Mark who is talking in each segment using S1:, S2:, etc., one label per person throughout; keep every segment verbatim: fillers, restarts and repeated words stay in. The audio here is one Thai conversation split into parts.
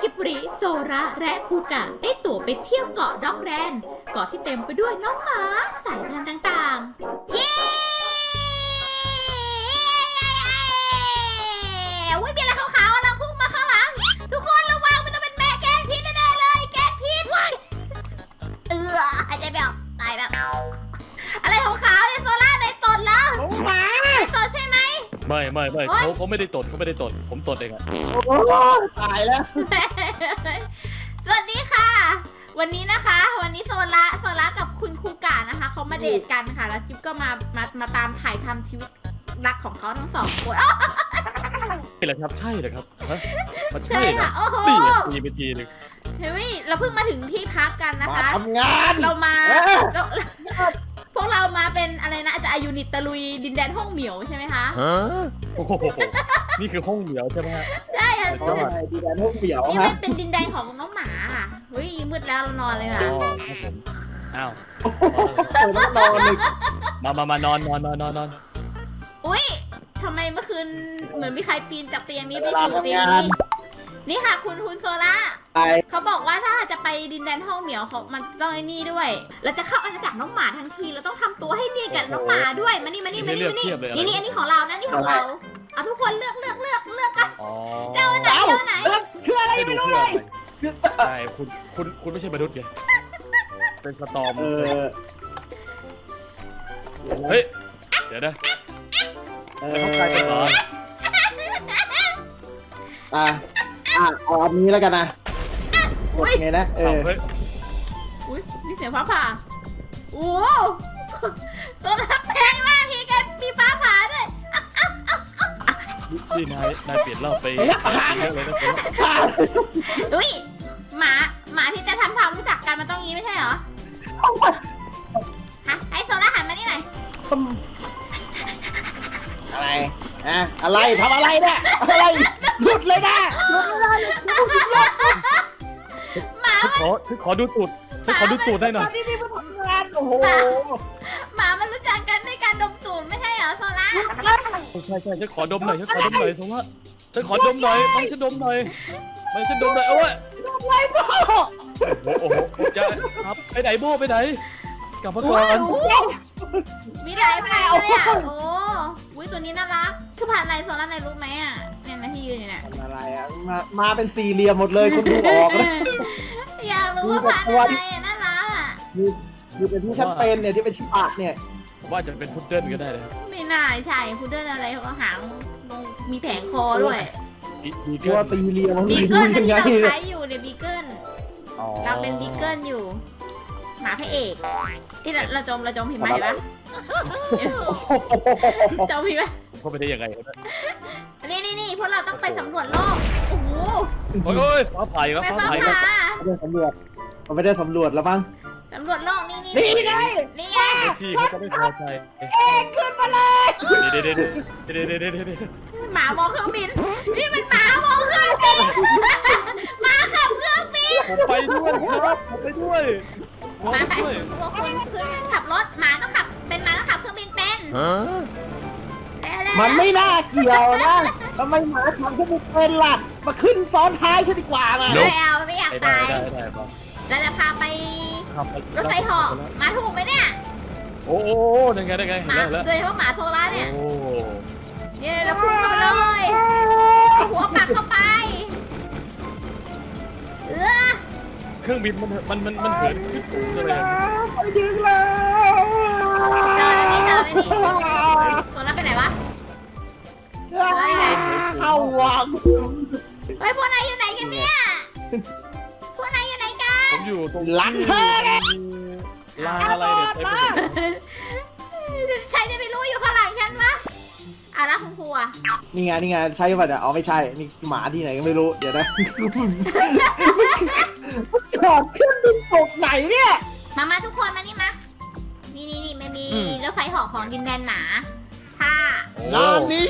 S1: กิบริโซระและคูกะได้ตั๋วไปเที่ยวเกาะด็อกแรนเกาะที่เต็มไปด้วยน้องหมาสายพันธุ์ต่างๆเย้อุ้ยมีอะไรขาวๆนะพุ่งมาข้างหลังทุกคนระวังมันจะเป็นแม่แกนพิษแน่ๆเลยแกนพิษเออหายใจไม่ออกตายแบบอะไรขาวๆในโซล่าในตดแล้วในตดใช่ไหม
S2: ไม่ไม่ไม่เขาเขาไม่ได้ตดเขาไม่ได้ตดผมตดเองอะ
S3: โอ้ตายแล้ว
S1: สวัสดีค่ะวันนี้นะคะวันนี้โซล่าโซล่ากับคุณครูกานะคะเขามาเดทกันค่ะแล้วจิ๊บก็มามามาตามถ่ายทำชีวิตรักของเขาทั้งสองคน
S2: ใช่เหรอครับใช่เหรอครับฮะมัน
S1: ใช่
S2: ใช่
S1: ค่ะโอ้โห
S2: ตีไปทีนึง
S1: เฮ้ยเราเพิ่งมาถึงที่พักกันนะคะ
S3: ทำงาน
S1: เรามาเราพวกเรามาเป็นอะไรนะจะอายุนิตตะลุยดินแดนห้องเหมียวใช่ไหมคะ
S2: โอ้โหนี่คือห้องเหมียวใช่ไหมฮะ
S1: ใช่ค่ะ
S3: ดินแดนห้องเหมียว
S1: นี่มันเป็นดินแดนของน้องหมาค่ะเฮ้ยมืดแล้วเรานอนเลยค่ะ
S2: อ้าว
S3: ต้องนอนเลย
S2: มามามานอนนอนนอนนอนนอน
S1: อุ้ยทำไมเมื่อคืนเหมือนมีใครปีนจากเตียงนี้ไปสู่เตียงนี้นี่ค่ะคุณคุณโซล่าเขาบอกว่าถ้าจะไปดินแดนห้องเหมียวเขามันต้องไอ้นี่ด้วยเราจะเข้าอาณาจักรน้องหมาทั้งทีเราต้องทำตัวให้เนียนกับน้องหมาด้วยมานี่มานี่มานี่มานี่นี่นี่อันนี้ของเรานะนี่ของเราเอาทุกคนเลือกเลือกเลือกเลือกกันเจ้าไหนเจ้าไหน
S3: คืออะไรไม่รู้เลย
S2: ใช่คุณคุณคุณไม่ใช่มนุษย์ไงเป็นสตอมเฮ้ยเดี๋ยวนะ
S3: ไม่เข้าใจ
S2: เหรอ
S3: อ่ะอ่ะเอาอันนี้แล้วกันนะโอเคนะเออ
S1: อุ้ยนี่เสียงฟ้าผ่าโอ้โซล่าแพงมากทีแกมีฟ้าผ่าด้วย
S2: นี่นายนายเปลี่ยนรอบไปเยอะเลยนะ
S1: อุ้ยหมาหมาที่จะทำความรู้จักกันมันต้องงี้ไม่ใช่เหรอฮะไอโซล่าหันมานี่หน่อย
S3: อะไรอะอะไรทำอะไรเนี่ยอะไรหลุดเลยนะ
S1: หมา
S2: ขอขอดูตูดฉันขอดูตูดได้หน่อย
S3: โอ้โห
S1: หมามันรู้จักกันด้วยการดมตูดไม่ใช่เหรอโซล่า
S2: ใช่ใช่ฉันขอดมหน่อยฉันขอดมหน่อยโซล่าฉันขอดมหน่อยไม่ฉันดมหน่อยไม่ฉันดมหน่อยเอาไว้โอ้โหจะครับไปไหนโบ้ไปไหนกลับมาก่อน
S1: มีหลายพันเลยอ่ะโอ้วิตัวนี้น่ารักคือพันอะไรโซล่าในรู้ไหมอ่ะเนี่ยนะที่ยืนอยู่เนี่ย
S3: อะไรอ่ะมามาเป็นสี่เหลี่ยมหมดเลยคุณดูออกเลย
S1: อยากรู้ว่าพันอะไรน่ารักอ่ะ
S3: คือคือเป็นที่ฉันเป็นเนี่ยที่เป็นชิบะเนี่ย
S2: ว่าจะเป็นพุดเดิ้ลก็ได้เลย
S1: ไม่น่าใช่พุดเดิ้ลอะไรเขาหางมีแผงคอด้วย
S3: ตัวสี่เหลี่ยม
S1: บีเกิลที่เราใช้อยู่เนี่ยบีเกิลเราเป็นบีเกิลอยู่หมาพระเอกที่เราจมเราจมผิดไหมปะจมผิดไหม
S2: เขาไปได้ยังไง
S1: นี่นี่นี่พวกเราต้องไปสำรวจโลกโอ้โห
S2: โอ้ยฟ้าผ่าครับฟ้าผ่า
S3: ไม่ได้สำรวจเราไม่ได้สำรวจแล้วมั้ง
S1: สำรวจโลกนี่นี่
S3: นี่ไง
S1: นี่ไง
S2: ที่เขาจะไม่พอใจ
S1: เอ็กขึ้นมาเลย
S2: เด็ดเด็ดเด็ดเด็ดเด็ดเด็ด
S1: หมามองเครื่องบินนี่มันหมามองเครื่องบินหมาขับเครื่องบิน
S2: ผมไปด้วยครับผมไปด้วย
S1: มาใครพวกคุณขึ้นขับรถหมาต้องขับเป็นหมาต้องขับเครื่องบินเป็น
S3: มันไม่น่าเกี่ยวนะทำไมหมาขับเครื่องบินเป็นล่ะมาขึ้นซ้อนท้ายฉันดีกว่ามา
S1: ไม่เอาไม่อยากตายเราจะพาไปรถไฟเหาะมาถูกไหมเนี่ย
S2: โอ้โหได้ไงได้ไง
S1: หมาโดยเฉพาะหมาโซล่าเนี่ยเนี่ยเราพุ่งเข้าเลยเอาหัวปักเข้าไปเออ
S2: เครื่องบินมันมันมันมันเหินขึ้นสูงเลย
S3: ไปดึงแล้ว
S1: จอแล้วนี่จอไม่ดีโซล่าไปไหนวะ
S3: เข้าวัง
S1: เฮ้ยพวกนายอยู่ไหนกันเนี่ยพวกนายอยู่ไหนกัน
S2: ผมอยู่ตรง
S3: หลังเธอ
S2: ลานอะไรเนี่ย
S1: ใครจะไปรู้อยู่ข้างหลังฉันวะอ่ะแล้วคุณครูอ่ะ
S3: นี่ไงนี่ไงใช่ป่ะเนี่ยอ๋อไม่ใช่นี่หมาที่ไหนก็ไม่รู้เดี๋ยวนะจอดขึ้นบินตกไหนเนี่ย
S1: มามาทุกคนมานี่มานี่นี่นี่ไม่มีรถไฟเหาะของดินแดนหมาถ้า
S3: ร้านนี้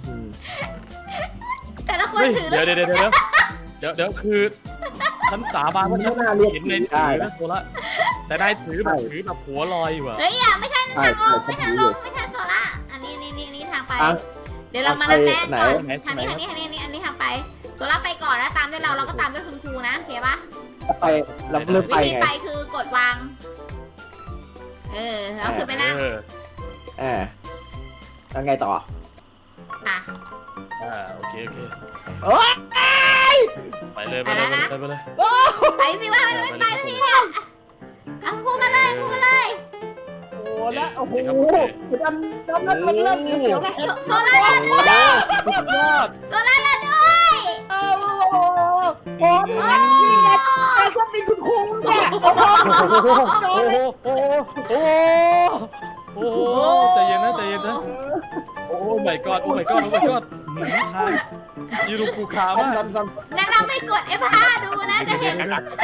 S1: แต่ละคนถือ
S2: เดี๋ยวเดี๋ยวเดี๋ยวเดี๋ยวเดี๋ยวคือฉันสาบานว่าฉันเห็นในถือนะโซล่าแต่ได้ถือแบบถือแบบหัวลอยอยู่อะ
S1: เฮ้ยอย่าไม่ใช่ทางลงไม่ใช่ลงไม่ใช่โซล่าอันนี้นี่นี่นี่ทางไปเดี๋ยวเรามานัดแนะก่อนทางนี้ทางนี้ทางนี้อันนี้อันนี้ทางไปโซตัวรับไปก่อนนะตามด้วยเราเราก็ตามด้วยคุณครูนะโอเคปะ
S3: ไปเราเริ่ม
S1: วิ
S3: ไป
S1: ธี
S3: ไง
S1: ไปคือกดวางเออแล้วคือไปนั่ง
S2: เออ
S3: เออแล้วไงต่อ
S1: อ่ะ
S2: อ่าโอเคโอเค
S3: โอ้ย
S2: ไปเลยไปเลยไปเลยไปเลย
S1: ไปสิว่าเราไม่ไปสักทีเนี่ยเอาครูมาเลยครูมาเลย
S3: โอ้แล้วโอ้โหดำดำนั้นมันเริ่มเสียวๆแล้ว
S1: โซโซล่าลาด้วย
S2: สุดยอด
S1: โซล่าลาด้วย
S3: โอ้โหโอ้โหนี่ไงแต่ชอบมีคุณครูเนี่ยโอ้โห
S2: โอ้โหโอ้โหโอ้โหโอ้โหใจเย็นนะใจเย็นนะโอ้ my god โอ้ my god โอ้ my god หืมทางยูรูคูคามาก
S3: ซ้ำ
S1: แนะนำให้กด เอฟ ห้า ดูนะจะเห็น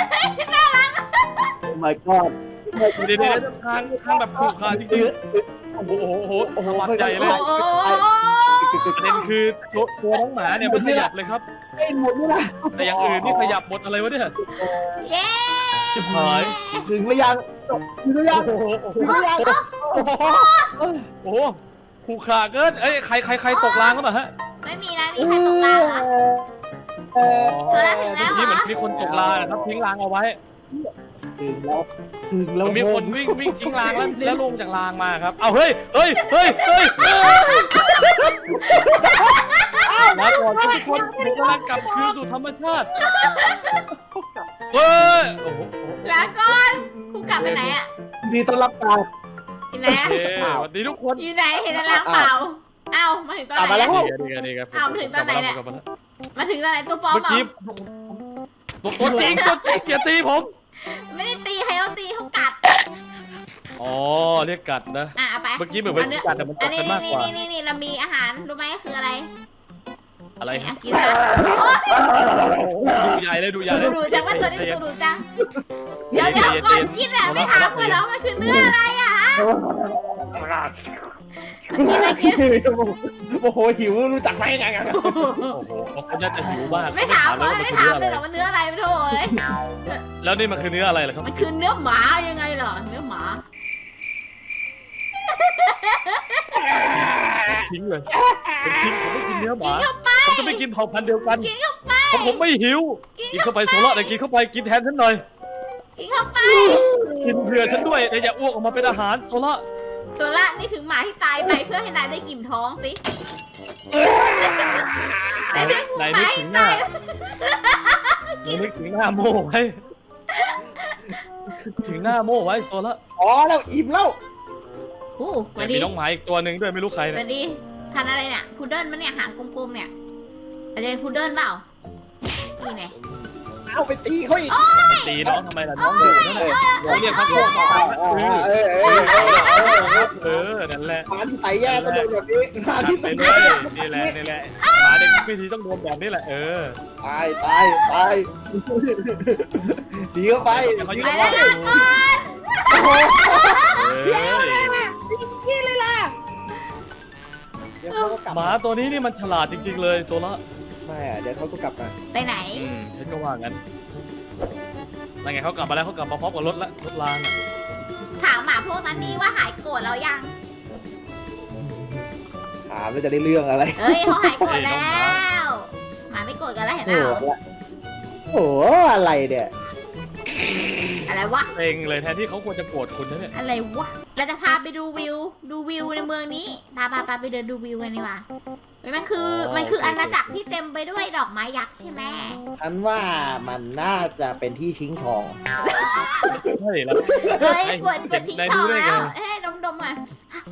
S3: ๆโอ้ my god
S2: เดี๋ยวเดี๋ยวทางทางแบบคูคาจริงๆโอ้โหโอ้โหโอ้โหสวัสดีเลย
S1: โอ้โห
S2: ประเด็นคือตัวตัวน้องหมาเนี่ยมันขยับเลยครับ
S3: ไอ้หมดนี่นะ
S2: แต่อย่างอื่นนี่ขยับหมดอะไรวะเนี่ย
S1: เย้
S2: ชิบหาย
S3: ถึงหรือยังถึงหรือยัง
S2: โอ้โหโอ้โห
S3: ถึงหรือยัง
S2: โอ้โหโอ้โหคูคาเกินเอ้ยใครใครใครตกรางก็มาฮะ
S1: ไม่มีนะมีใครตกรางเหรอ
S3: เออ
S1: โซล่าถึงแล้วเหร
S2: นี่เหมือ
S1: อน
S2: มีคนตกรางนะครับทิ้งรางเอาไว้
S3: ถึงแล้วถึงแล้ว
S2: มันมีคนวิ่งวิ่งทิ้งรางแล้วแล้วลงจากรางมาครับเอาเฮ้ยเฮ้ยเฮ้ยเฮ้ยเฮ้ยมาก่อนทุกคนผมกำลังกลับคืนสู่ธรรมชาติเฮ้ยโอ้โห
S1: ลาก่อนครูกลับไปไหนอ่ะ
S3: ดีต้อนรับการ
S1: อยู่ไหน
S2: โอ
S1: อะ
S2: เคสวัสดีทุกคน
S1: อยู่ไหนเห็นลางเปล่าเอ้ามาถึงตอนไหน
S2: นี่
S1: อะ
S2: ไงนี่ไงนี่ไง
S1: อ้าวมาถึงตอนไหนเนี่ย มาถึงตอนไหนตัวปลอม
S2: เมื่อ
S1: เหรอ
S2: กี้ตัวตัวจริงตัวจริงเกียรตีผม
S1: ไม่ได้ตีใครเขาตีเขากัด
S2: อ๋อเรียกกัดนะ
S1: อ่ะเอาไป
S2: เมื่อกี้เหมือนเป็นกัดแต่มัน
S1: อั
S2: กั
S1: น
S2: ด
S1: นี้
S2: กันมาก
S1: นี่
S2: กว่า
S1: นี่นี่นี่เรามีอาหารรู้ไหมคืออะไร
S2: อะไร
S1: นี่
S2: ครั
S1: อ่ะ
S2: บ
S1: กินซะโอ๊ย
S2: ดูใหญ่เลยดูใหญ่เลย
S1: ดูจังว่าตัวนี้ตัวดูจังเดี๋ยวเดี๋ยวก่อนกินอ่ะไม่ถามก่อนแล้วมันคือเนื้ออะไรอ่ะฮะกินไม่กิน
S3: โอ้โหหิวรู้จักไหมไงกัน
S2: โอ้โหเขาน่าจะหิวมาก
S1: ไม่ถาม
S2: เล
S1: เลย ย
S2: ว่ามัน
S1: ไม่
S2: คือ
S1: ถาม
S2: เนื้อ
S1: เลย
S2: อะไร
S1: หรอว่าเนื้ออะไรไม่โถย
S2: แล้วนี่มันคือเนื้ออะไรล่ะครับ
S1: มันคือเนื้อหมายังไงเหรอเนื้อหมา
S2: ทิ้งเลยเป็นทิ้งผมไม่กินเนื้อห
S1: กิน
S2: มา
S1: เข้าไป
S2: ผมจะไม่กินเผ่าพันธุ์เดียวกัน
S1: กินเข้าไป
S2: ผมผมไม่หิวกินเข้าไปโซล่าแต่กินเข้าไปกินแทนฉันหน่อย
S1: กินเข้าไป
S2: กินเผื่อฉันด้วยแต่อย่าอ้วกออกมาเป็นอาหารโซล่า
S1: โซล่านี่ถึงหมาที่ตายไปเพื่อให้นายได้อิ่มท้องสินายได้กู
S2: ไหน
S1: ไหม
S2: นึกถึงหน้าไหนนึกถึงหน้าโม่ไว้ถึงหน้าโม่ไว้โซล่า
S3: อ๋อแล้วอิ่มแล้ว
S1: โอ้สวัส
S2: มี
S1: ดี
S2: น้องหมาอีกตัวหนึ่งด้วยไม่รู้ใคร
S1: ส
S2: เนี่ย
S1: วัสดีพันธุ์อะไรเนี่ยพุดเดิ้ลมันเนี่ยหางกลมๆเนี่ยอาจจะเป็นพุดเดิ้ลเปล่านี่ไง
S3: เอาไปตีเขาอีก
S2: ตีน้องทำไมล่ะน้องอยู่นั่นแหละน้องเรียกพักพวกมา
S3: เออเออ
S2: เออนั่นแหละ
S3: หมาที่ใส่แย่ก็โดนแบบนี้หมา
S2: จัด
S3: ที่
S2: ไป
S3: ใส่
S2: เลยนี่แหละนี่แหละหมาเด็กไม่ทีต้องโดนแบบนี้แหละเออ
S3: ตายตายตายดีเข้าไป
S1: ไปแล้วลาก่อน
S2: เออ
S3: นี่เลยล่ะเดี๋ยวเขาก็กลับ
S2: หมาตัวนี้นี่มันฉลาดจริงๆเลยโซล่า
S3: ไม่เดี๋ยวเขาก็กลับมา
S1: ไปไหน
S2: อืมฉันก็ว่างั้นนั่นไงเขากลับมาแล้วเขากลับมาพร้อมกับรถละรถรางอ่ะ
S1: ถามหมาพวกนั้นนี่ว่าหายโกรธแล้วยัง
S3: ถามแล้วจะได้เรื่องอะไร
S1: เอ้ยเขาหายโกรธแล้วหมาไม่โกรธกันแล้วเห็นเป
S3: โอ้
S1: ล่า
S3: โหโอ้โหอะไรเนี่ย
S1: อะไรวะ
S2: เซ็งเลยแทนที่เขาควรจะโกรธคุณนะเนี่ย
S1: อะไรวะเราจะพาไปดูวิว ดูวิวในเมืองนี้พาพาพาไปเดินดูวิวกันดีกว่าเฮ้ยมันคือมันคืออาณาจักรที่เต็มไปด้วยดอกไม้ยักษ์ใช่ไหม
S3: ฉันว่ามันน่าจะเป็นที่ชิงทอง
S2: ใช่แล้ว
S1: เฮ้ยปวดปวดชิง
S2: นาย
S1: ช่
S2: รู้
S1: อง
S2: ได้ไง
S1: แล้วเอ้ยดมดมอ่ะ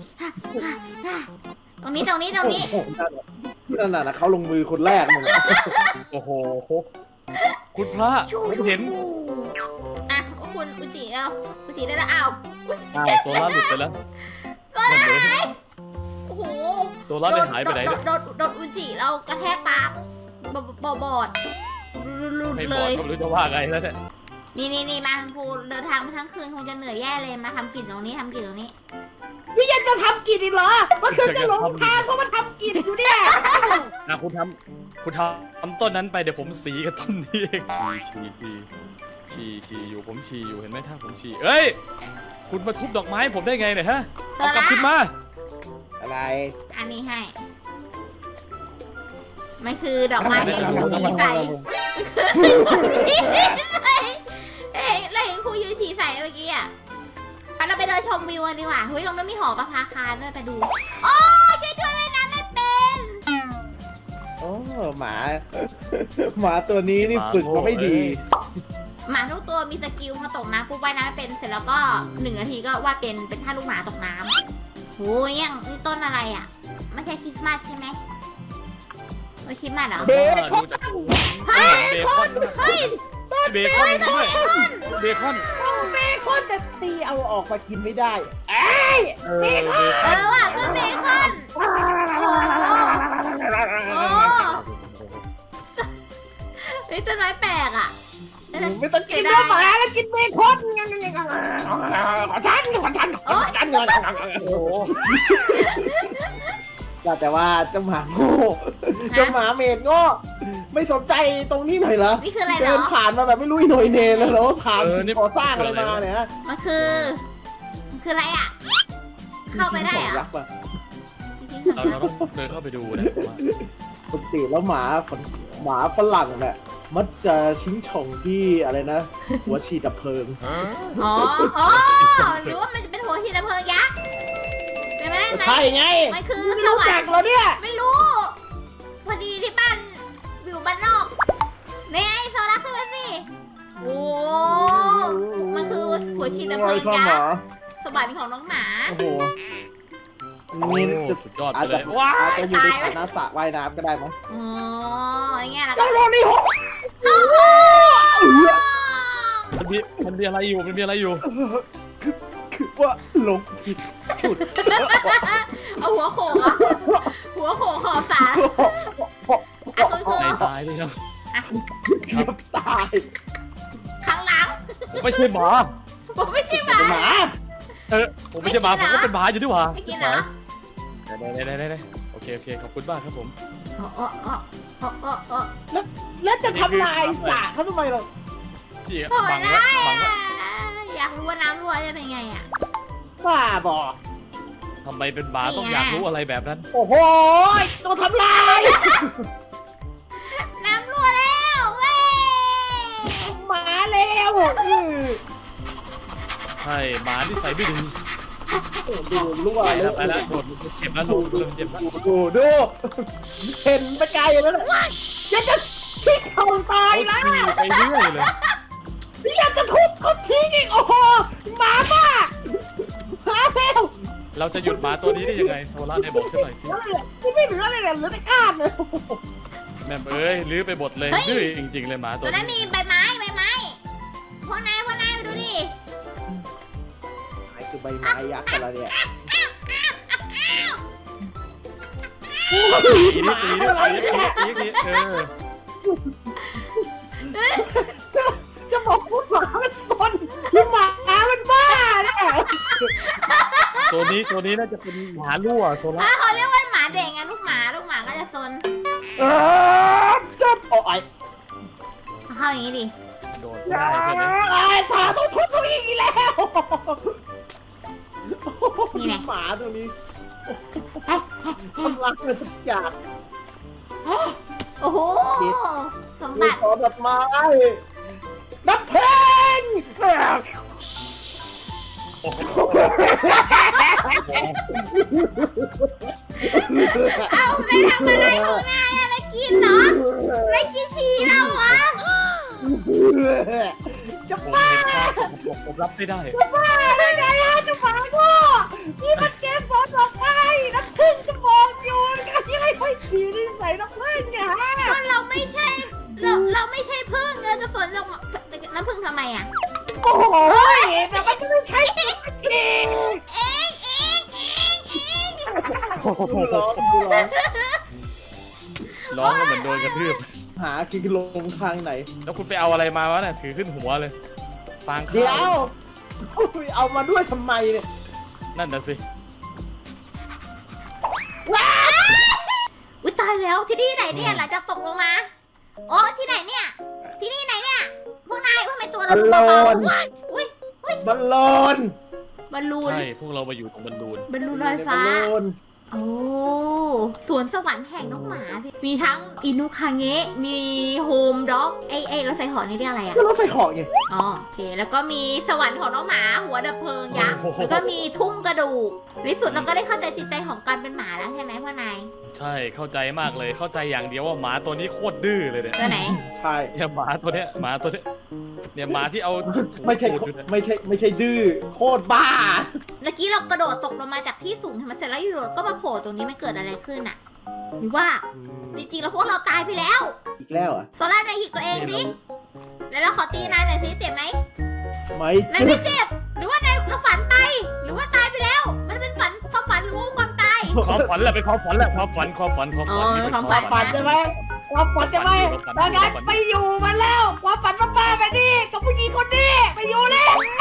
S1: ตรงนี้ตรงนี้ตรงนี้
S3: โอ้โหนั่นน่ะนะเขาลงมือคนแรกมึง
S2: โอ้โหคุณพระผมเห็น
S1: อ่ะคุณอุจิเอาอุจิได้แล้วอ้าว
S2: อ้าวโซล่าหลุดไปแล้ว
S1: ก็ได้โอ้โห
S2: โซล่าได้หายไปไหน
S1: โด
S2: เนี่ย
S1: นโดนโดนอุจิเรากระแทกตาบอบอดลุด
S2: ไม่บ
S1: เล
S2: อก
S1: ย
S2: ก็ไม่รู้จะว่าไงแล้วเนี่ย
S1: นี่นี่นี่มาทางกูเดินทางมาทั้งคืนคงจะเหนื่อยแย่เลยมาทำกิจตรงนี้ทำกิจตรงนี้
S3: นี่ยังจะทำกินอีกเหรอมันคือจะหลงทางเพราะมันทำกินอยู่เนี่ย
S2: อ่ะคุณทำคุณทำต้นนั้นไปเดี๋ยวผมสีกับต้นนี้เองฉี่ฉี่ฉี่ฉี่อยู่ผมฉี่อยู่เห็นไหมถ้าผมฉี่เอ้ยคุณมาทุบดอกไม้ผมได้ไงเนี่ยฮะเอากลับขึ้นมา
S3: อะไร
S1: อันนี้ให้มันคือดอกไม้ที่ครูชี้ใส่คือครูชี้ใส่เอ้ยเราเห็นครูยืนชี้ใส่เมื่อกี้อ่ะไปเราไปเดินชมวิวกันดีกว่าเฮ้ยตรงนั้นมีหอประภาคารด้วยไปดูโอ้ช่วยด้วยว่ายน้ำไม่เป็น
S3: โอ้หมาหมาตัวนี้นี่ฝึกมาไม่ดี
S1: หมาทุกตัวมีสกิลพอตกน้ำปุ๊บว่ายน้ำไม่เป็นเสร็จแล้วก็หนึ่งนาทีก็ว่าเป็นเป็นท่าลูกหมาตกน้ำโหนี่ยังนี่ต้นอะไรอ่ะไม่ใช่คริสต์มาสใช่ไหมไม่คริสต์มาสเหรอ
S3: เบ
S2: คอนเบคอน
S1: เฮ้ย
S2: เบคอนด้วยเบคอน
S3: เบคอนแต่ตีเอาออกมากินไม่ได้เอ้ย
S2: เออเบค
S1: เอ
S2: อน
S1: อว่ะต้นเบคอนโอ้โหนี่ต้นไม้แปลกอ่ะ
S3: ไม่ต้องกินเนื้อหมาแล้วกินเบคอนขอฉันขอฉันขอฉัน
S2: โอ้โห
S3: แต่ว่าเจ้าหมาโง่เจ้าหมาเมดโง่ไม่สนใจตรงนี้หน่อยเหรอ
S1: นี่คืออะไรเหร
S3: เดิ
S1: อน
S3: ผ่านมาแบบไม่รู้อีโหน่อยเนแล้วเหรอผ่านสิ่งก่อสร้างอะไรมาเนี่ย
S1: มันคือมันคืออะไรอ่ะเข้าไปได้เหร
S3: ยั
S1: อ่ะ
S3: กษ์ป่ะ
S2: เราเราต้องเดินเข้าไปดูนะผมว่า
S3: ปกติแล้วหมาหมาฝรั่งเนี่ยมันจะชิงช่องที่อะไรนะ หัวฉีดดับเพลิง
S1: อ๋ออ๋อหรือว่ามันจะเป็นหัวฉีดน้ำเพลิงยักษ์เป็นไปได้ไหม
S3: ใช่ไง
S1: มันคือ
S3: ไม่
S1: ส
S3: รู้
S1: วร
S3: จั
S1: ร
S3: ก
S1: ค์
S3: เหรอเนี่ย
S1: ไม่รู้ พอดีที่บ้านอยู่บ้านนอกเนี่ยไอโซล่าขึ้นมาสิโอ้มันคือหัวฉีดน้ำเพลิงยักษ์สวรรค์ของน้องหมา
S3: โอ้โหนี่จะ
S2: สุดยอดไป
S3: อาจ
S2: เล
S3: จะ
S2: ยว้า
S3: อาจจะอยู่ในฐานะสระว่ายน้ำก็ได้มั้ง
S1: อ๋ออย่างเงี้ยแล้วก็
S3: เจ้าโรนี่หก
S2: มันมีมันมีอะไรอยู่มันมีอะไรอยู่
S3: คือคือว่าหลงผิดจุด
S1: เอาหัวโขกอะหัวโขกขอบสาอ่ะคุณครู
S2: ในตายเลยครับ
S3: เกือบตาย
S1: ข้างหลัง
S2: ผมไม่ใช่หมา
S1: ผมไม่ใช่หมา
S3: เป็นหมา
S2: เออผมไม่ใช่หมาผมก็เป็นหมาอยู่ดีกว่า
S1: ไม่กินเหรอ
S2: ได้ได้ได้ได้โอเคโอเคขอบคุณมากครับผม
S1: โอ้โอ้โอ้โอ้โอ้โอ้
S3: แล้วจะทำลายสระเขาทำไมล่ะ
S2: พี่
S1: โหด
S2: บัง
S1: ร้า
S2: แล้ว
S1: ย
S2: บังแล้ว
S1: อะอยากรู้ว่าน้ำรั่วจะเป็นไงอ่ะ
S3: บ้าบอก
S2: ทำไมเป็นหมาต้องอยากรู้อะไรแบบนั้น
S3: โอ้โหตัวทำลาย
S1: น้ำรั่วแล้วเว้ย
S3: หมาแล้วอื้อ
S2: ใช่หมาที่ใส่ไม่ดี
S3: ดูรั่ว
S2: ไป
S3: เล
S2: แล้ว
S3: ย
S2: ไปแล้วโดดเจ็บแล้วลงเริ่มเจ็บแล้ว
S3: ดูดูเห็นไปไกลแล้วนะจะจะคิดทองตาย
S2: เขา
S3: แล้ว
S2: ขี่ไปเรื่อยเลย
S3: อยากจะทุบเขาทิ้งอีกโอ้โหหมาบ้าหาแล้ว
S2: เราจะหยุดหมาตัวนี้ได้ยังไงโซล่าได้บอกฉันหน่อยสิ
S3: ที่ไม่เหลืออะไรเลยเหลือแต่ก้านเลย
S2: แม่เอ้ยลื้อไปหมดเลยดื้อจริงๆเลยหมาตั
S1: ตัว วนั้น
S2: นี้
S1: มีใบไม้ใบไม้พวกนายพวกนายมาดูดิ
S3: ไอ้คือใบไม้ยักษ์อะไรเนี่ย
S2: ตีนี่ตีนี่ตีนี่ตีนี่เออ
S3: จะบอกพูดหมามันซนหมามันบ้าเนี่ย
S2: ตัวนี้ตัวนี้น่าจะเป็นหมารั่วโซล่า
S1: ถ้าเขาเรียกว่าหมาเด็กไงลูกหมาลูกหมาก็จะซน
S3: เออจับโอ้ย
S1: เข้าอย่างนี้ดิ
S2: โดด
S3: อย่า
S2: ได้ใช่ไหม
S3: ไอ้ขาต้องทุบตัวอีกแล้วหมาตัวนี้ทำรักเลยสักอย่าง
S1: โอ้โหสม
S3: มี
S1: บัติ
S3: ขอดอกไม้นับเพลง
S2: โอ้โห
S1: เอาไปทำอะไรของนายอะไรกินเนาะไม่กินฉี่เราเหรอ
S3: จะ
S2: ผม
S3: บ้า
S2: เห็นความสกปรกผมรับไม่ได้
S3: จะบ้าได้ไงอะจะหมาโง่นี่มันเกสรดอกไม้น้ำผึ้งจะมองอยู่กันยังไงไม่ฉี่นี่ใส่น้ำผึ้งเนี่ยฮะ
S1: ก็เราไม่ใช่เราเราไม่ใช่พึ่งเราจะสนเราน้ำพึ่งทำไมอ่ะ
S3: โอ้โหแต่มันก็ไม่ใช่จริง
S1: เองเองเองเองเอง
S3: ดูร้องดูร้อง
S2: ร้องก็เหมือนโดนกระทืบ
S3: หากิโลงทางไหน
S2: แล้วคุณไปเอาอะไรมาวะเนี่ยถือขึ้นหัวเลยฟางข้าว
S3: เดี๋ยวเอามาด้วยทำไมเนี่ย
S2: นั่นน่ะสิ
S1: อุ้ยตายแล้วที่นี่ไหนเนี่ยหลังจากตกลงมาโอ้ที่ไหนเนี่ย ที่นี่ไหนเนี่ยพวกนายทำไมตัวเราดูเบาๆอุ้ย
S3: บอลลอน
S1: บอลลูน
S2: ใช่พวกเรามาอยู่ตรงบอลลูน
S1: บอลลูนลอยฟ้า
S3: บอลลูน
S1: โอ้สวนสวรรค์แห่งน้องหมาสิมีทั้งอินุคาเงะมีโฮมด็อกไอไอรถไฟเหอนี่เรียกอะไรอะ
S3: ก็รถไฟเหาะไง
S1: อ๋อโอเค แล้วก็มีสวรรค์ของน้องหมาหัวดับเพลิงยักษ์แล้วก็มีทุ่งกระดูกในสุดเราก็ได้เข้าใจจิตใจของการเป็นหมาแล้วใช่ไหมพ่อนาย
S2: ใช่เข้าใจมากเลยเข้าใจอย่างเดียวว่าหมาตัวนี้โคตรดื้อเลยเนี่ย
S1: ตัวไหน
S3: ใช่
S2: เนี่ยหมาตัวเนี้ยหมาตัวเนี้ยเนี่ยหมาที่เอาถู
S3: ไม่ใช่
S2: ตูดอยู่เนี่ย
S3: ไม่ใช่ไม่ใช่ดื้อโคตรบ้า
S1: เมื่อกี้เรากระโดดตกลงมาจากที่สูงทำไมเสร็จแล้วอยู่ๆก็มาโผล่ตรงนี้มันเกิดอะไรขึ้นอะหรือว่าจริงๆแล้วพวกเราตายไปแล้ว
S3: อีกแล้วเหรอ่ะ
S1: โซล่านายหยิกตัวเองสิแล้วเราขอตีนายหน่อยสิเจ็บไหม
S3: ไม่
S1: นายไม่เจ็บ หรือว่านายเราฝันไป หรือว่าตายไปแล้ว มันเป็นฝันความฝันหรือว่าความตาย
S2: ความฝันแหละเป็นความฝันแหละความฝันความฝันความฝัน
S1: อ๋อ
S2: นี่เป็น
S1: ความ
S2: ความ
S1: ฝั
S2: ฝั
S1: น
S2: น
S3: ฝันใช่ไหมความฝันใช่ไหมดังนั้นไปอยู่มันแล้วความฝันบ้าๆแบบนี้กับผู้หญิงคนนี้ไปอยู่แล้ว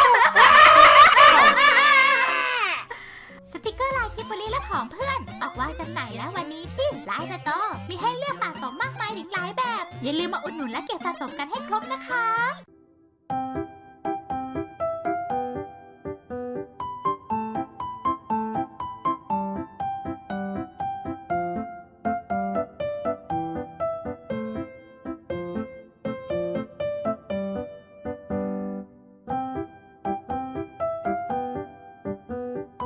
S1: สติกเกอร์ลายคิปเบอรี่และของเพื่อน ออกวางจำหน่ายแล้ววันนี้ที่ไลน์สโตร์มีให้เลือกสะสมมากมายถึงหลายแบบ อย่าลืมมาอุดหนุนและเก็บสะสมกันให้